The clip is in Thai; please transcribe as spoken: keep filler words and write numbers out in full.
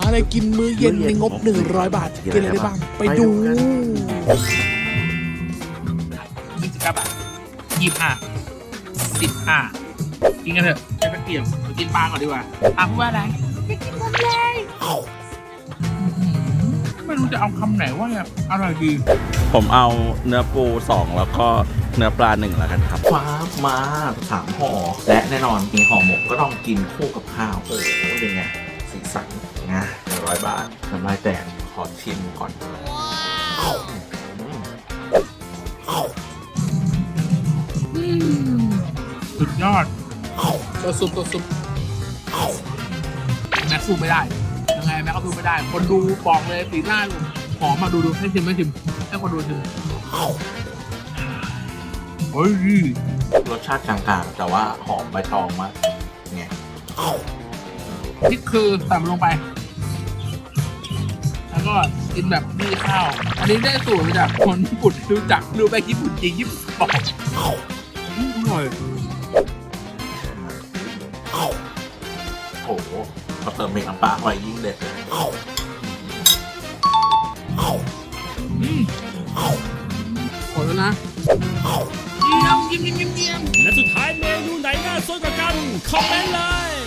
อะไรกินมื้อเย็นในงบหนึ่งร้อยบาทกินอะไรได้บ้างไปดูยี่สิบเก้าบาทยี่สิบห้าสิบห้ากินกันเถอะใช้ตะเกียบเรากินปลาก่อนดีกว่าปลาพูดว่าอะไรไม่กินหมดเลยไม่รู้จะเอาคำไหนว่าเนี่ยอร่อยดีผมเอาเนื้อปูสองแล้วก็เนื้อปลาหนึ่งแล้วกันครับฟ้ามาสามห่อและแน่นอนมีห่อหมกก็ต้องกินคู่กับข้าวโอ้โหเป็นไงสีสันนะหนึ่งร้อยบาทน้ำลายแตกขอชิมก่อนสุดยอดตัวซุปตัวซุปแม็กซ์สู้ไม่ได้ยังไงแม็กซ์ก็สู้ไม่ได้คนดูบอกเลยสีหน้าหอมมาดูดูให้ชิมให้ชิมให้คนดูชิมเฮ้ยรสชาติกลางๆแต่ว่าหอมใบตองมากไงนี่คือใส่มันลงไปแล้วก็กินแบบมีข้าวอันนี้ได้สูตรมาจากคนญี่ปุ่นรู้จักรู้ไปญี่ปุ่นจริงญี่ปุ่นบอกอร่อยโอ้โหพอเติมเมกน้ำปลาไว้ยิ่งเด็ดเลยหมดแล้วนะเยี่ยมเยี่ยมเยี่ยมเยี่ยมและสุดท้ายเมนูไหนน่าสนกว่ากันคอมเมนต์เลย